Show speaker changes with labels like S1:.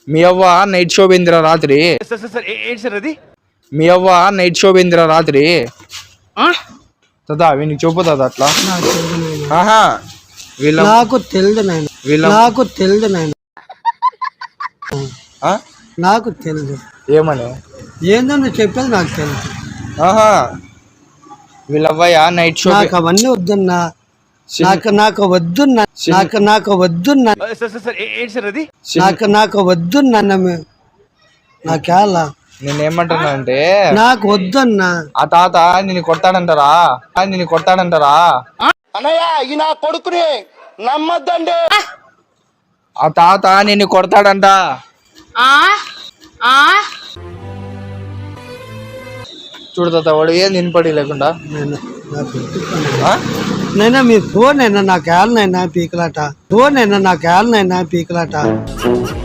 S1: మీ అవ్వ night show పోయిందిరా రాత్రి. మీ అవ్వ నైట్ షో పోయిందిరా రాత్రి. తదా వీనికి చూపుతుంది అట్లా. ఆహా వీళ్ళ
S2: నాకు తెలియదు నాయన, నాకు తెలియదు నాయన, నాకు తెలియదు.
S1: ఏమని
S2: ఏందో నువ్వు చెప్పేది నాకు తెలుసు.
S1: ఆహా వీళ్ళవ్వయ్య నైట్ షో.
S2: నాకు అవన్నీ వద్దున్నా, నాకు వద్దున్నా, నాకు వద్దున్నా, నాకు వద్దున్నా. నాకేలా
S1: నేనేమంటున్నా అంటే
S2: నాకు వద్దన్నా.
S1: ఆ తాత నిన్ను కొడతాడంటారా, నిన్ను కొడతాడంటారా
S2: అన్నయ్య ఈ నా కొడుకుని నమ్మద్దండి.
S1: ఆ తాత నిన్ను కొడతాడంట. చూడు తాత వాడు ఏం నినపడి లేకుండా.
S2: నైనా మీరు ఫోన్ అయినా నాకు ఏళ్ళనైనా పీకలాట, ఫోన్ అయినా నాకు ఏళ్ళనైనా పీకలాట.